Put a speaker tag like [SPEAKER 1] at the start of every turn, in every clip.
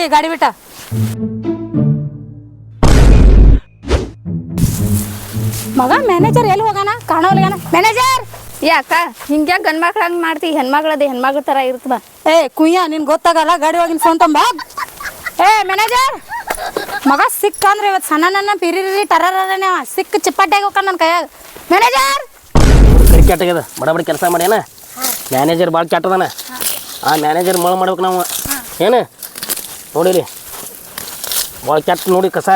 [SPEAKER 1] ಗಾಡಿ ಬಿಟ್ಟ. ಮಗ ಮ್ಯಾನೇಜರ್ ಎಲ್ಲಿ ಹೋಗಾನ ಕಾಣೋಲ್ಗಾನ. ಮ್ಯಾನೇಜರ್
[SPEAKER 2] ಯಾಕ ಹಿಂಗ್ಯಾ ಗಂಡ್ ಮಕ್ಳು ಹಂಗ್ ಮಾಡ್ತಿ? ಹೆಣ್ಮಗಳದ ಹೆಣ್ಮಗಳ ತರ ಇರ್ತದ.
[SPEAKER 1] ಏ ಕುಯ್ಯ ನಿನ್ ಗೊತ್ತಾಗಲ್ಲ, ಗಾಡಿ ಹೋಗಿನ ಫೋನ್ ತಂಬ. ಏ ಮ್ಯಾನೇಜರ್ ಮಗ ಸಿಕ್ಕ ಅಂದ್ರೆ ಇವತ್ತು ಸಣ್ಣ ನನ್ನ ಪಿರಿರಿ ಟರರನೇ ಸಿಕ್ಕ ಚಿಪ್ಪಟ್ಟಾಗಿ ಹೋಗ ನನ್ನ ಕೈಯಾಗ. ಮ್ಯಾನೇಜರ್
[SPEAKER 3] ಕರಿ ಕೆಟ್ಟಾಗ್ಯದ, ಬಡ ಕೆಲಸ ಮಾಡ್ಯಾನ. ಮ್ಯಾನೇಜರ್ ಭಾಳ ಕೆಟ್ಟದಾನ. ಆ ಮ್ಯಾನೇಜರ್ ಮಳ ಮಾಡ್ಬೇಕು ನಾವು. ಏನು ನೋಡಿರಿ ಭಾಳ ಕೆಟ್ಟ ನೋಡಿ ಕಸ.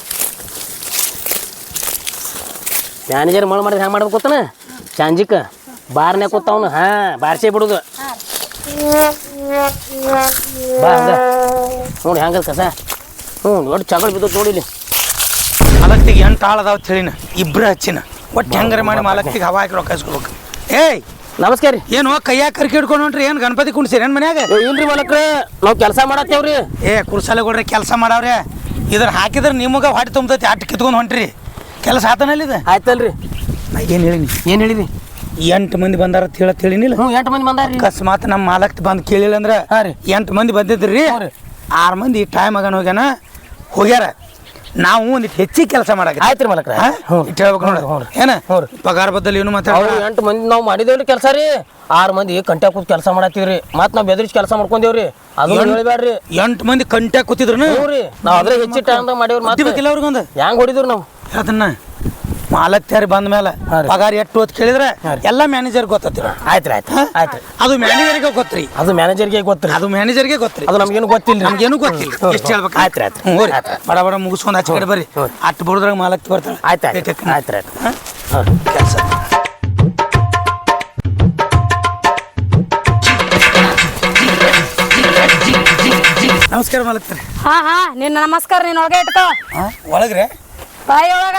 [SPEAKER 3] ಮ್ಯಾನೇಜರ್ ಮಳ ಮಾಡಿದ್ರೆ ಹ್ಯಾಂಗ ಮಾಡ್ಬೇಕು ಗೊತ್ತಾನ? ಚಾಂಜಿಕ ಬಾರ್ನ್ಯಾಗ ಕೂತಾವನು ಬಾರ್ಸೇ ಬಿಡುದು. ಬಾ ಹಂಗ ನೋಡಿ ಹಂಗದ ಕಸ. ದೊಡ್ಡ ಚಗಳ ಬಿದ್ದು ನೋಡಿಲಿ.
[SPEAKER 4] ಮಾಲಕ್ತಿಗೆ 8 ಆಳು ಅದಾವ ತಿಳಿನ, ಇಬ್ರು ಹಚ್ಚಿನ. ಒಟ್ಟು ಹೆಂಗಾರ ಮಾಡಿ ಮಾಲಕ್ತಿಗೆ ಹವಾ ಹಾಕಿ ರೊಕ್ಕ ಇಸ್ಕೊಬೇಕು. ಏಯ್
[SPEAKER 3] ನಮಸ್ಕಾರ ರೀ.
[SPEAKER 4] ಏನು ಕೈಯಾಗ ಕರ್ಕಿ ಹಿಡ್ಕೊಂಡು ಹೊಂಟ್ರಿ? ಏನು ಗಣಪತಿ ಕುಣಿಸಿರಿ ಏನು ಮನ್ಯಾಗ?
[SPEAKER 3] ಇಲ್ರಿ ಮಾಲಕ್ರೆ, ನಾವು ಕೆಲಸ ಮಾಡತ್ತೇವ್ರಿ.
[SPEAKER 4] ಕುರ್ಸಾಲೆ ಕೊಡ್ರಿ ಕೆಲಸ ಮಾಡವ್ರೆ. ಇದ್ರ ಹಾಕಿದ್ರೆ ನಿಮಗೆ ಹೊಟ್ಟೆ ತುಂಬತೈತಿ, ಅಟ್ಟು ಕಿತ್ಕೊಂಡು ಹೊಂಟ್ರಿ. ಕೆಲಸ ಆತನಲ್ಲಿದೆ
[SPEAKER 3] ಆಯ್ತಲ್ರಿ.
[SPEAKER 4] ನಾ ಏನು ಹೇಳಿನಿ?
[SPEAKER 3] ಏನು ಹೇಳಿರಿ?
[SPEAKER 4] 8 ಮಂದಿ ಬಂದಾರ ಅಂತ ಹೇಳಿನಿಲ್ಲ.
[SPEAKER 3] 8 ಮಂದಿ ಬಂದಾರ್ರಿ.
[SPEAKER 4] ಅಕಸ್ಮಾತ್ ನಮ್ಮ ಮಾಲಕ್ತಿ ಬಂದು ಕೇಳಿಲ್ಲ ಅಂದ್ರೆ 8 ಮಂದಿ ಬಂದಿದ್ರಿ. 6 ಮಂದಿ ಟೈಮ್ ಆಗನ ಹೋಗ್ಯಾರ. ನಾವು ಒಂದಿಟ್ಟು ಹೆಚ್ಚಿಗೆ ಕೆಲಸ ಮಾಡಕ್ಕೆ.
[SPEAKER 3] ಆಯ್ತು ರೀ ಮಾಲಕ್ರ,
[SPEAKER 4] ಇಟ್ಟು ಹೇಳ್ಬೇಕು ನೋಡಿ. ಏನ ಪಗಾರ ಬದ್ದಲ್ಲಿ ಏನು ಮಾತಾಡ?
[SPEAKER 3] 8 ಮಂದಿ ನಾವು ಮಾಡಿದೇವ್ರಿ ಕೆಲಸ ರೀ. 6 ಮಂದಿ ಕಂಟ್ಯಾ ಕೂತ್ ಕೆಲಸ ಮಾಡತ್ತೀವ್ರಿ. ಮತ್ ನಾವ್ ಬೆದರಿಸಿ ಕೆಲಸ ಮಾಡ್ಕೊಂಡೇವ್ರಿ. ಅದು ಹೇಳ್ಬೇಡ್ರಿ.
[SPEAKER 4] 8 ಮಂದಿ ಕಂಟ್ಯಾ ಕೂತಿದ್ರು
[SPEAKER 3] ನಾವ್ ಅದ್ರ ಹೆಚ್ಚಿಗೆ ಟೈಮ್ದಾಗ ಮಾಡೇವ್ರಿ.
[SPEAKER 4] ಬೇಕಿಲ್ಲ ಅವ್ರಿಗೊಂದು
[SPEAKER 3] ಹೆಂಗ್ ಹೊಡಿದ್ರು ನಾವು?
[SPEAKER 4] ಅದನ್ನ ಮಾಲಕ್ತಿಯಾರಿ ಬಂದ ಮೇಲೆ ಪಗಾರ ಎಷ್ಟು ಹೊತ್ತು ಕೇಳಿದ್ರೆ ಎಲ್ಲ ಮ್ಯಾನೇಜರ್ ಗೊತ್ತಿರ.
[SPEAKER 3] ಆಯ್ತ್ರಿ ಆಯ್ತು ಆಯ್ತು.
[SPEAKER 4] ಅದು ಮ್ಯಾನೇಜರ್ಗೆ ಗೊತ್ತ್ರಿ.
[SPEAKER 3] ಅದು ಮ್ಯಾನೇಜರ್ಗೆ ಗೊತ್ತ್ರಿ.
[SPEAKER 4] ಅದು ಮ್ಯಾನೇಜರ್ಗೆ ಗೊತ್ತ್ರಿ.
[SPEAKER 3] ಅದು ನಮ್ಗೇನು ಗೊತ್ತಿಲ್ಲ.
[SPEAKER 4] ನಮ್ಗೇನು ಗೊತ್ತಿಲ್ಲ. ಎಷ್ಟು ಹೇಳ್ಬೇಕು?
[SPEAKER 3] ಆಯ್ತು ಆಯ್ತು.
[SPEAKER 4] ಬಡ ಬಡ ಮುಗಿಸ್ಕೊಂಡು ಆಚೆ ಕಡೆ ಬರ್ರಿ. ಅಟ್ಟು ಬಡದ್ರಾಗ ಮಾಲಕ್ತಿ ಬರ್ತಾಳೆ.
[SPEAKER 3] ಆಯ್ತು ಆಯ್ತು ಆಯ್ತು ಆಯ್ತು.
[SPEAKER 4] ಕೆಲಸ ನಮಸ್ಕಾರ ಮಾಲಕ್ತಾರೆ.
[SPEAKER 1] ಹಾ ನಿನ್ನ ನಮಸ್ಕಾರ. ನೀನ್ ಒಳಗೆ ಇಟ್ಕೋ.
[SPEAKER 4] ಒಳಗ್ರೆ
[SPEAKER 1] ಬಾಯಿ ಒಳಗ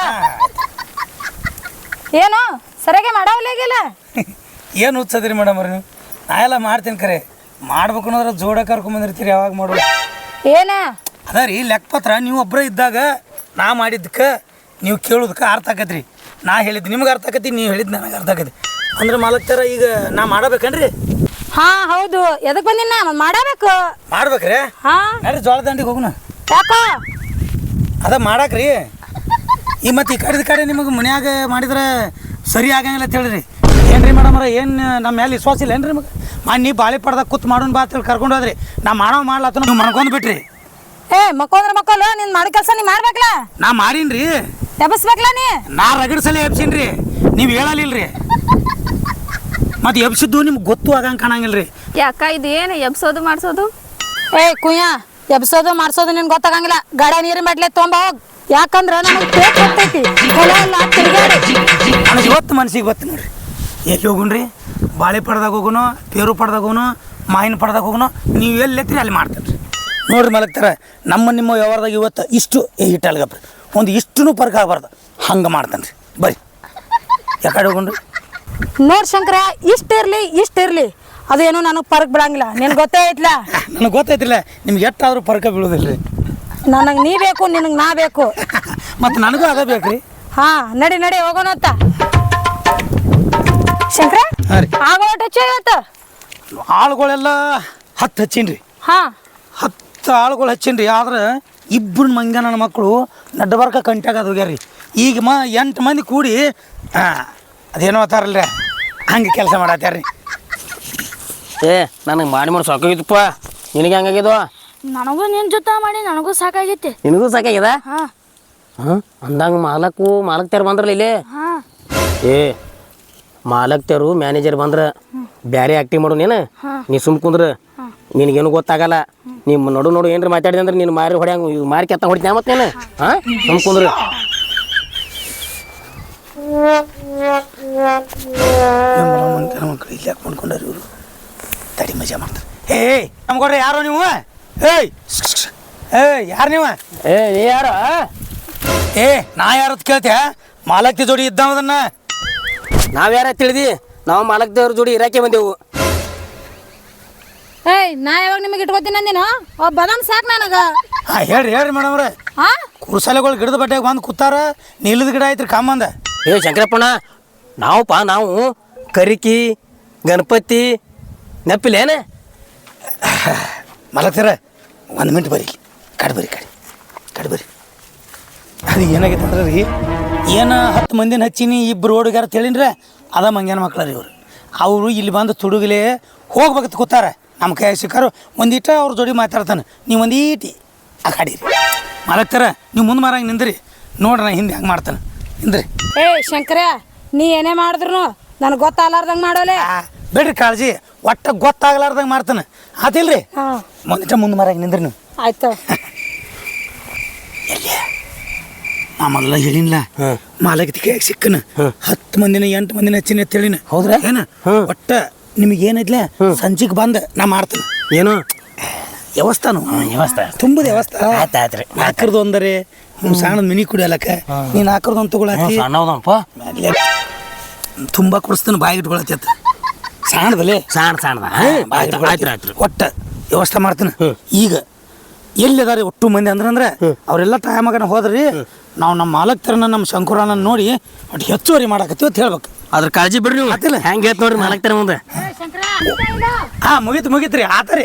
[SPEAKER 1] ಏನು ಸರಿಯಾಗಿ ಮಾಡವಲ್ಲಾಗಿಲ್ಲ.
[SPEAKER 4] ಏನು ಹುಚ್ಚದ್ರಿ ಮೇಡಮ್ ಅವ್ರಿ ನೀವು? ನಾ ಎಲ್ಲ ಮಾಡ್ತೀನಿ ಖರೆ. ಮಾಡ್ಬೇಕು ಅನ್ನೋದ್ರ ಜೋಡ ಕರ್ಕೊಂಬಂದಿರ್ತೀರಿ. ಯಾವಾಗ ಮಾಡೋದು
[SPEAKER 1] ಏನ
[SPEAKER 4] ಅದ ರೀ ಲೆಕ್ಕಪತ್ರ. ನೀವು ಒಬ್ಬರೇ ಇದ್ದಾಗ ನಾ ಮಾಡಿದ್ದಕ್ಕೆ ನೀವು ಕೇಳೋದಕ್ಕೆ ಅರ್ಥ ಆಕತ್ರಿ. ನಾ ಹೇಳಿದ್ದು ನಿಮ್ಗೆ ಅರ್ಥ ಆಕತಿ, ನೀವು ಹೇಳಿದ್ದು ನನಗೆ ಅರ್ಥ ಆಕತಿ. ಅಂದ್ರೆ ಮಾಲಕ್ತಾರ ಈಗ ನಾ ಮಾಡಬೇಕನ್ರಿ?
[SPEAKER 1] ಹಾ ಹೌದು. ಎದಕ್ ಬಂದಿನ ಮಾಡಬೇಕು.
[SPEAKER 4] ಮಾಡ್ಬೇಕ್ರಿ?
[SPEAKER 1] ಹಾ
[SPEAKER 4] ನಡ್ರಿ ಜೋಳ ದಂಡಿಗೆ ಹೋಗುಣ.
[SPEAKER 1] ಯಾಕೋ
[SPEAKER 4] ಅದ ಮಾಡಾಕ್ರಿ. ಈ ಮತ್ತೆ ಈ ಕಡೆ ನಿಮಗೆ ಮನ್ಯಾಗ ಮಾಡಿದ್ರೆ ಸರಿ ಆಗಂಗಿಲ್ಲ ಅಂತ ಹೇಳಿರಿ. ಏನ್ರಿ ಮೇಡಮ್ರ, ಏನು ನಮ್ಮ ಮೇಲೆ ವಿಶ್ವಾಸ ಇಲ್ಲ ಏನ್ರಿ ನಿಮಗೆ? ನೀ ಬಾಳೆ ಪಡ್ದಾಗ ಕೂತ್ ಮಾಡೋಣ ಬಾ ಅಂತೇಳಿ ಕರ್ಕೊಂಡು ಹೋದ್ರಿ. ನಾ ಮಾಡ್ಲಾತ ನೀವು ಮಾಡ್ಕೊಂಡು ಬಿಟ್ರಿ.
[SPEAKER 1] ಏ ಮಕ್ಕೊಂದ್ರ ಮಕ್ಕಳು ನೀನ್ ಮಾಡೋ ಕೆಲಸ ನೀ ಮಾಡ್ಬೇಕಲ್ಲ.
[SPEAKER 4] ನಾ ಮಾಡೀನ್ರಿ.
[SPEAKER 1] ಎಬಸ್ಬೇಕಲ್ಲ ನೀ.
[SPEAKER 4] ನಾ ರಗಡ್ ಸಲ ಎಬ್ಸೀನ್ರಿ, ನೀವು ಹೇಳಲಿಲ್ರಿ. ಮತ್ತೆ ಎಬ್ಸಿದ್ದು ನಿಮ್ಗೆ ಗೊತ್ತು ಆಗಂಗೆ ಕಾಣಂಗಿಲ್ರಿ.
[SPEAKER 2] ಯಾಕ ಇದು ಏನು ಎಬ್ಸೋದು ಮಾಡ್ಸೋದು?
[SPEAKER 1] ಏ ಕುಯ್ಯ ಎಬ್ಸೋದು ಮಾಡ್ಸೋದು ನಿನ್ ಗೊತ್ತಾಗಂಗಿಲ್ಲ. ಗಾಡ ನೀರಿನ ಬಾಟ್ಲೆ ತೊಗೊಂಬ ಹೋಗ್. ಯಾಕಂದ್ರ ನನಗೆ ಪೇಟ್ ಹೋಗ್ತೈತಿ.
[SPEAKER 4] ನನಗೆ ಇವತ್ತು ಮನ್ಸಿಗೆ ಗೊತ್ತು ನೋಡ್ರಿ. ಎಲ್ಲಿ ಹೋಗುಣ್ರಿ? ಬಾಳೆ ಪಡ್ದಾಗ ಹೋಗುನು, ಪೇರು ಪಡ್ದಾಗ ಹೋಗುನು, ಮಾವಿನ ಪಡ್ದಾಗ ಹೋಗುನು. ನೀವು ಎಲ್ಲಿ ಎತ್ತೀರಿ ಅಲ್ಲಿ ಮಾಡ್ತೇನೆ ರೀ. ನೋಡ್ರಿ ಮಲಗ್ತಾರ, ನಿಮ್ಮ ವ್ಯವಹಾರದಾಗ ಇವತ್ತು ಇಷ್ಟು ಹಿಟ್ಟಲ್ಗಪ್ರಿ ಒಂದು ಇಷ್ಟೂ ಪರ್ಕ್ ಆಗಬಾರ್ದು. ಹಂಗೆ ಮಾಡ್ತಾನೆ ರೀ. ಬರ್ರಿ ಯಾಕಡೆ ಹೋಗುಣ್ರಿ?
[SPEAKER 1] ನೋಡ್ ಶಂಕರ, ಇಷ್ಟಿರ್ಲಿ ಅದೇನು ನನಗೆ ಪರ್ಕ್ ಬಿಡಂಗಿಲ್ಲ. ನಿನ್ ಗೊತ್ತೇ ಐತ್ಲ.
[SPEAKER 4] ನನಗೆ ಗೊತ್ತೈತಿಲ್ಲ ನಿಮ್ಗೆ ಎಷ್ಟಾದ್ರೂ ಪರ್ಕ ಬೀಳೋದಿಲ್ಲ ರೀ.
[SPEAKER 1] ನನಗೆ ನೀ ಬೇಕು, ನಿನಗೆ ನಾ ಬೇಕು.
[SPEAKER 4] ಮತ್ತು ನನಗೂ ಅದ ಬೇಕ್ರಿ.
[SPEAKER 1] ಹಾ ನಡಿ ಹೋಗೋಣ ಅಂತ. ಶಂಕರ ಆಗೋಟ ಇವತ್ತು
[SPEAKER 4] ಆಳುಗಳೆಲ್ಲ 10 ಹಚ್ಚೀನ್ರಿ.
[SPEAKER 1] ಹಾ
[SPEAKER 4] 10 ಆಳುಗಳು ಹಚ್ಚೀನ್ರಿ. ಆದ್ರೆ 2 ಮಂಗ ನನ್ನ ಮಕ್ಕಳು ನಡ್ಬರ್ಕ ಕಂಟ್ಯಾಗ ಅದು ಹೋಗ್ಯಾರ ರೀ. ಈಗ 8 ಮಂದಿ ಕೂಡಿ ಅದೇನೋ ಅತ್ತಾರಲ್ರಿ ಹಂಗೆ ಕೆಲಸ ಮಾಡತ್ತಾರ್ರಿ.
[SPEAKER 3] ಏ ನನಗೆ ಮಾಡಿ ಸಾಕಾಗಿತ್ತಪ್ಪ. ನಿನಗೆ ಹೆಂಗಾಗ್ಯದ?
[SPEAKER 2] ನನಗೂ ನಿನ್ ಜೊತೆ ಮಾಡಿ ನನಗೂ ಸಾಕಾಗೈತಿ.
[SPEAKER 3] ನಿನಗೂ ಸಾಕಾಗ್ಯದ? ಅಂದಂಗ ಮಾಲಕ್ತಾರ ಬಂದ್ರಲ್ಲ ಇಲ್ಲಿ. ಏ ಮಾಲಕ್ತಾರು ಮ್ಯಾನೇಜರ್ ಬಂದ್ರ ಬ್ಯಾರೆ ಆಕ್ಟಿಂಗ್ ಮಾಡು. ನೀ ಸುಮ್ ಕುಂದ್ರ, ನಿನಗೇನು ಗೊತ್ತಾಗಲ್ಲ. ನಿಮ್ಮ ನೋಡು ಏನ್ರ ಮಾತಾಡಿದೆ ಅಂದ್ರೆ ನೀನು ಮಾರಿ ಹೊಡ್ಯಾಂಗ ಮಾರಿ ಕೆತ್ತ ಹೊಡಿತ ಮತ್ತೆ ನೀನು. ಸುಮ್ ಕುಂದ್ರ.
[SPEAKER 4] ಮಕ್ಕಳು ಇಲ್ಲಿ ಯಾಕೆ ಮಾಡ್ಕೊಂಡ್ರಿ ಇವರು? ತಡಿ ಮಜಾ ಮಾಡ್ತಾರೆ. ಏಯ್ ನಮ್ಗೊಡ್ರಿ ಯಾರೋ ನೀವು? ಯಾರು ನೀವು?
[SPEAKER 3] ನೀ ಯಾರ?
[SPEAKER 4] ನಾ ಯಾರತ್ ಕೇಳ್ತೆ? ಮಾಲಕ್ತಿ ಜೋಡಿ ಇದ್ದವದನ್ನ
[SPEAKER 3] ನಾವ್ ಯಾರ ತಿಳಿದಿ? ನಾವು ಮಾಲಕ್ದೇವ್ರ ಜೋಡಿ ಇರಾಕೆ ಬಂದೆವು.
[SPEAKER 1] ಏಯ್ ನಾ ಯಾವಾಗ ನಿಮಗೆ ಇಟ್ಕೋತೀನಿ ಅಂದಿನ? ಬದಾಮ್ ಸಾಕು ನನಗ.
[SPEAKER 4] ಹೇಳ್ರಿ ಮೇಡಮ್ರೆ. ಕುರ್ಸಾಲೆಗಳು ಗಿಡದ ಬಟ್ಟೆಗೆ ಬಂದು ಕೂತಾರ. ನಿಲ್ಲದ ಗಿಡ ಐತ್ರಿ ಕಾಮಂದ.
[SPEAKER 3] ಶಂಕರಪ್ಪಣ್ಣ, ನಾವು ಕರಿಕಿ ಗಣಪತಿ ನೆಪ್ಪಿಲ್ಲೇನೆ?
[SPEAKER 4] ಮಲಗ್ತಾರ 1 ಮಿನಿಟ್ ಬರ್ರಿ. ಕಡ್ಬರಿ ಕಡ್ಬರಿ ಅದು ಏನಾಗೈತೆ ಅಂದ್ರೆ ರೀ ಏನು 10 ಮಂದಿನ ಹಚ್ಚೀನಿ ಇಬ್ಬರು ಹುಡುಗಾರ ತಿಳಿನ್ರೆ ಅದ ಮಂಗ್ಯಾನ ಮಕ್ಳು ರೀ ಅವರು ಇಲ್ಲಿ ಬಂದು ತುಡುಗಲೇ ಹೋಗ್ಬೇಕಂತ ಕೂತಾರ ನಮ್ಮ ಕೈ ಸಿಕ್ಕಾರು ಒಂದೀಟ ಅವ್ರ ಜೋಡಿ ಮಾತಾಡ್ತಾನೆ ನೀವು ಒಂದೀಟಿ ಆ ಕಡೀರಿ ಮಾಲಕ್ತಾರ ನೀವು ಮುಂದೆ ಮಾರಂಗೆ ನಿಂದ್ರಿ ನೋಡ್ರಿ ನಾ ಹಿಂದೆ ಹೆಂಗೆ ಮಾಡ್ತಾನೆ ನಿಂದ್ರಿ.
[SPEAKER 1] ಏ ಶಂಕರ ನೀ ಏನೇ ಮಾಡಿದ್ರು ನನಗೆ ಗೊತ್ತಾಗಲಾರ್ದಂಗೆ ಮಾಡೋಲೆ.
[SPEAKER 4] ಬೇಡ್ರಿ ಕಾಳಜಿ ಒಟ್ಟ ಗೊತ್ತಾಗ್ಲಾರ್ದಂಗೆ ಮಾಡ್ತಾನೆ ಆತಿಲ್ರಿ.
[SPEAKER 1] ಹಾಂ
[SPEAKER 4] ಒಂದಿಟ ಮುಂದೆ ಮಾರಂಗೆ ನಿಂದ್ರಿ ನೀವು.
[SPEAKER 1] ಆಯ್ತು.
[SPEAKER 4] ಎಲ್ಲಿ ನಾ ಮೊದಲ ಹೇಳಿನ್ಲ ಮಾಲಕತಿ ಕೈಯಾಗ ಸಿಕ್ಕನ 10 ಮಂದಿನ 8 ಮಂದಿನ ಹಚ್ಚಿನ ತಿಳಿನ ಹೌದ್ರಾ ಏನ ಒಟ್ಟ ನಿಮಗೆ ಏನೈತ್ಲ ಸಂಜೆಗೆ ಬಂದ ನಾ ಮಾಡ್ತೇನೆ.
[SPEAKER 3] ಏನು
[SPEAKER 4] ವ್ಯವಸ್ಥಾನು
[SPEAKER 3] ವ್ಯವಸ್ಥೆ
[SPEAKER 4] ತುಂಬದ ವ್ಯವಸ್ಥೆ
[SPEAKER 3] ಆಯ್ತಾಯ್ತ್ರಿ.
[SPEAKER 4] ನಾಲ್ಕರದು ಒಂದರೆ ನಿಮ್ಮ ಸಣ್ಣದ ಮಿನಿ ಕುಡಿಯಲಕ್ಕ ನೀನು ನಾಲ್ಕರದು ಒಂದು ತಗೊಳತಿ
[SPEAKER 3] ಸಣ್ಣದಪ್ಪ
[SPEAKER 4] ತುಂಬ ಕೊಡಿಸ್ತಾನೆ ಬಾಯಿಗೆ ಇಟ್ಕೊಳತಿ ಅತ್ತ ಸಣ್ಣದಲ್ಲೇ
[SPEAKER 3] ಸಣ್ಣ ಆಯ್ತು
[SPEAKER 4] ಒಟ್ಟ ವ್ಯವಸ್ಥೆ ಮಾಡ್ತೀನಿ. ಈಗ ಎಲ್ಲಿ ಅದಾರಿ ಒಟ್ಟು ಮಂದಿ ಅಂದ್ರೆ ಅವರೆಲ್ಲ ಟೈಮಾಗನ ಹೋದ್ರಿ ನಾವು ನಮ್ಮ ಮಾಲಕ್ತರನ್ನ ನಮ್ಮ ಶಂಕುರನ ನೋಡಿ ಒಟ್ಟು ಹೆಚ್ಚುವರಿ ಮಾಡಾಕತ್ತೀವಿ ಅಂತ ಹೇಳ್ಬೇಕು.
[SPEAKER 3] ಅದ್ರ ಕಾಳಜಿ ಬಿಡ್ರಿ ನೀವು
[SPEAKER 4] ಆತಿಲ್ಲ
[SPEAKER 3] ಹೆಂಗೆ ಹೇಳ್ತ ನೋಡ್ರಿ ಮಾಲಕ್ತಾರ ಮುಂದೆ.
[SPEAKER 4] ಹಾಂ ಮುಗೀತ್ರಿ ಆತರಿ.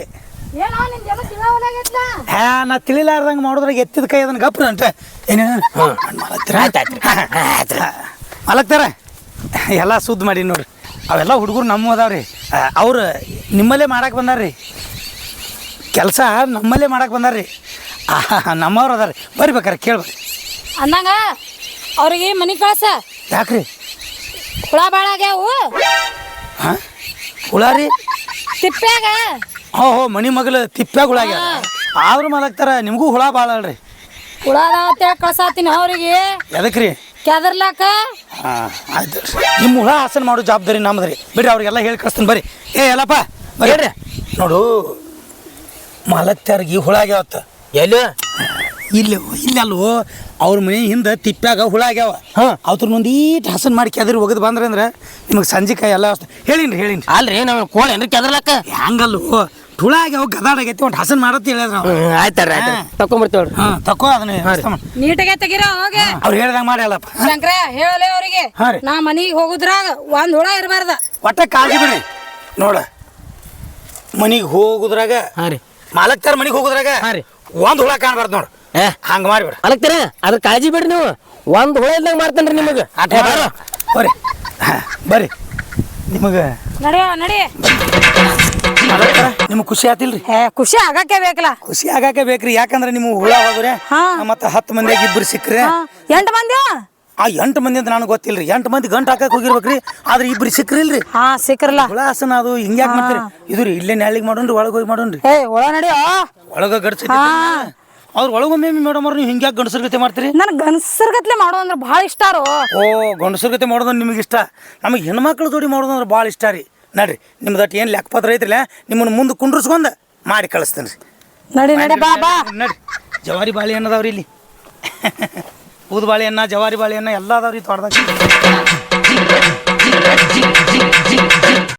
[SPEAKER 4] ನಾ ತಿಳಿಲಾರ್ದಂಗೆ ಮಾಡೋದ್ರಾಗ ಎತ್ತಿದ ಕೈ ಅದನ್ನ ಗಪ್ರ ಅಂತ ಏನೇನು ಮಲಗ್ತಾರ ಎಲ್ಲ ಸುದ್ದಿ ಮಾಡಿ ನೋಡ್ರಿ. ಅವೆಲ್ಲ ಹುಡುಗರು ನಮ್ಮ ಅದಾವ್ರಿ ಅವ್ರು ನಿಮ್ಮಲ್ಲೇ ಮಾಡಕ್ಕೆ ಬಂದಾರ್ರಿ ಕೆಲಸ ನಮ್ಮಲ್ಲೇ ಮಾಡಕ್ಕೆ ಬಂದಾರ್ರಿ ನಮ್ಮವ್ರು ಅದಾರ ಬರ್ರಿ ಬೇಕಾರೆ ಕೇಳ್ಬೇಕು
[SPEAKER 1] ಅಂದಂಗ ಅವ್ರಿಗೆ ಮನೆ ಕಳ್ಸ.
[SPEAKER 4] ಯಾಕ್ರಿ
[SPEAKER 1] ಹುಳ ಭಾಳ ಆಗ್ಯಾವು
[SPEAKER 4] ಹಾಂ ಹುಳ ರೀ
[SPEAKER 1] ತಿಪ್ಪ್ಯಾಗ.
[SPEAKER 4] ಹೋ ಮನಿ ಮಗಲು ತಿಪ್ಪ್ಯಾಗುಳಾಗ ಆದ್ರೂ ಮಲಗ್ತಾರ ನಿಮಗೂ ಹುಳ ಭಾಳ ಅಲ್ರಿ.
[SPEAKER 1] ಹುಳ ಅದಾವ ಕಳ್ಸಾತೀನಿ ಅವ್ರಿಗೆ
[SPEAKER 4] ಎದಕ್ಕೆ ರೀ
[SPEAKER 1] ಕೆದರ್ಲಾಕ.
[SPEAKER 4] ಹಾಂ ಆಯ್ತು ನಿಮ್ಮ ಹುಳ ಹಾಸನ ಮಾಡೋ ಜವಾಬ್ದಾರಿ ನಮ್ದು ರೀ. ಬಿಡ್ರಿ ಅವ್ರಿಗೆಲ್ಲ ಹೇಳಿ ಕಳಿಸ್ತೀನಿ ಬರ್ರಿ. ಎಲ್ಲಪ್ಪ ಬರ್ರಿ ನೋಡು ಮಲಗ್ತಾರಿಗೆ ಹುಳ ಆಗ್ಯಾವತ್ತ
[SPEAKER 3] ಎಲ್ಲಿ
[SPEAKER 4] ಇಲ್ಲಿ ಅಲ್ವೋ ಅವ್ರ ಮನೆ ಹಿಂದೆ ತಿಪ್ಪ್ಯಾಗ ಹುಳ ಆಗ್ಯಾವ. ಅವ್ರ ಒಂದೀಟ್ ಹಸನ್ ಮಾಡಿ ಕೆದರಿ ಒಗದು ಬಂದ್ರೆ ಅಂದ್ರೆ ನಿಮಗೆ ಸಂಜೆಕಾಯಿ ಎಲ್ಲ ಹೇಳಿನ್ರಿ
[SPEAKER 3] ಅಲ್ರಿ ನಾವು ಕೋಳಿ ಏನ್ರಿ ಕೆದರ್ಲಕ್ಕ
[SPEAKER 4] ಹಂಗಲ್ವೋ ಹುಳ ಆಗ್ಯಾವ ಗದಾಡಾಗೈತಿ ಒಂದು ಹಸನ್ ಮಾಡತ್ತೆ ಹೇಳಿದ್ರ
[SPEAKER 3] ಆಯ್ತಾರ ತಕೊಂಬರ್ತೀವ್ರಿ.
[SPEAKER 4] ಹಾಂ ತಕೋ ಅದನ್ನ
[SPEAKER 1] ನೀಟಾಗೆ ತೆಗಿರೋ ಹೋಗೆ.
[SPEAKER 4] ಅವ್ರು ಹೇಳ್ದಂಗೆ ಮಾಡಿ ಅಲ್ಲಪ್ಪ.
[SPEAKER 1] ಶಂಕರ ಹೇಳಲೆ ಅವ್ರಿಗೆ
[SPEAKER 4] ಹಾಂ ರೀ
[SPEAKER 1] ನಾ ಮನಿಗೆ ಹೋಗುದ್ರಾಗ ಒಂದ್ ಹುಳ ಇರಬಾರ್ದ.
[SPEAKER 4] ಒಟ್ಟ ಕಾಳಜಿ ಬಿಡ್ರಿ ನೋಡ ಮನಿಗೆ ಹೋಗುದ್ರಾಗ
[SPEAKER 3] ಹಾಂ ರೀ
[SPEAKER 4] ಮಾಲಕ್ತಾರ ಮನಿಗೆ ಹೋಗುದ್ರಾಗ
[SPEAKER 3] ಹಾಂ ರೀ
[SPEAKER 4] ಒಂದು ಹುಳ ಕಾಣಬಾರ್ದು ನೋಡು. ಹಂಗೆ ಮಾಡಿಬಿಡ
[SPEAKER 3] ಮಾಲಕ್ತಾರ ಅದ್ರ ಕಾಳಜಿ ಬಿಡ್ರಿ ನೀವು. ಒಂದು ಹುಳ ಇಲ್ದಂಗೆ ಮಾಡ್ತೇನೆ ರೀ ನಿಮಗೆ.
[SPEAKER 4] ಬರ್ರಿ ಬರ್ರಿ ನಿಮಗೆ
[SPEAKER 1] ನಡಿ
[SPEAKER 4] ನಿಮ್ಗೆ ಖುಷಿ ಆತಿಲ್ರಿ.
[SPEAKER 1] ಖುಷಿ ಆಗಾಕೆ ಬೇಕಲ್ಲ.
[SPEAKER 4] ಖುಷಿ ಆಗಾಕೆ ಬೇಕ್ರಿ ಯಾಕಂದ್ರೆ ನೀವು ಹುಳ ಹೋದ್ರೆ ಮತ್ತೆ 10 ಮಂದಿಯಾಗ ಇಬ್ಬರು ಸಿಕ್ಕ್ರೆ
[SPEAKER 1] 8 ಮಂದಿ
[SPEAKER 4] ಆ 8 ಮಂದಿ ಅಂತ ನನಗೆ ಗೊತ್ತಿಲ್ರಿ. 8 ಮಂದಿ ಗಂಟು ಹಾಕಕ್ಕೆ ಹೋಗಿರ್ಬೇಕ್ರಿ ಆದ್ರೆ ಇಬ್ರು ಸಿಕ್ಕ್ರಿಲ್ರಿ.
[SPEAKER 1] ಹಾ ಸಿಕ್ರಲ್ಲ
[SPEAKER 4] ಹುಳ ಹಸನ ಅದು ಹಿಂಗ್ಯಾಕೆ ಮಾಡ್ತೀರಿ ಇದು ರೀ ಇಲ್ಲೇ ನ್ಯಾಳಿಗೆ ಮಾಡೋಣ್ರಿ ಒಳಗೆ ಹೋಗಿ ಮಾಡೋಣ್ರಿ.
[SPEAKER 1] ಒಳ ನಡಿ
[SPEAKER 4] ಒಳಗೆ ಗಡ್ಸಿ ಅವ್ರು ಒಳಗೊಮ್ಮೆ ಮೇಡಮ್ ಅವ್ರು ನೀವು ಹಿಂಗ್ಯಾಕೆ ಗಂಡಸರ ಗತಿ ಮಾಡ್ತೀರಿ.
[SPEAKER 1] ನನ್ ಗನ್ಸರ್ಗತ್ಲೆ ಮಾಡೋ ಅಂದ್ರೆ ಭಾಳ ಇಷ್ಟಾರು.
[SPEAKER 4] ಓ ಗಂಡಸರ ಗತಿ ಮಾಡೋದು ನಿಮಗೆ ಇಷ್ಟ. ನಮಗೆ ಹೆಣ್ಮಕ್ಳು ಜೋಡಿ ಮಾಡೋದು ಅಂದ್ರೆ ಭಾಳ ಇಷ್ಟ ರೀ. ನಡ್ರಿ ನಿಮ್ದು ಅಟ್ ಏನು ಲೆಕ್ಕಪತ್ರ ಐತ್ರಿಲ್ಲ ನಿಮ್ಮನ್ನು ಮುಂದೆ ಕುಂಡ್ರಿಸ್ಕೊಂಡು ಮಾಡಿ ಕಳಿಸ್ತೇನೆ ರೀ.
[SPEAKER 1] ನಡಿ ಬಾ
[SPEAKER 4] ನಡ್ರಿ ಜವಾರಿ ಬಾಳೆ ಅನ್ನದವ್ರಿ ಇಲ್ಲಿ ಊದ ಬಾಳೆಹಣ್ಣ ಜವಾರಿ ಬಾಳೆಹಣ್ಣ ಎಲ್ಲ ಅದಾವ್ರಿ ತೋಟದಾಗ.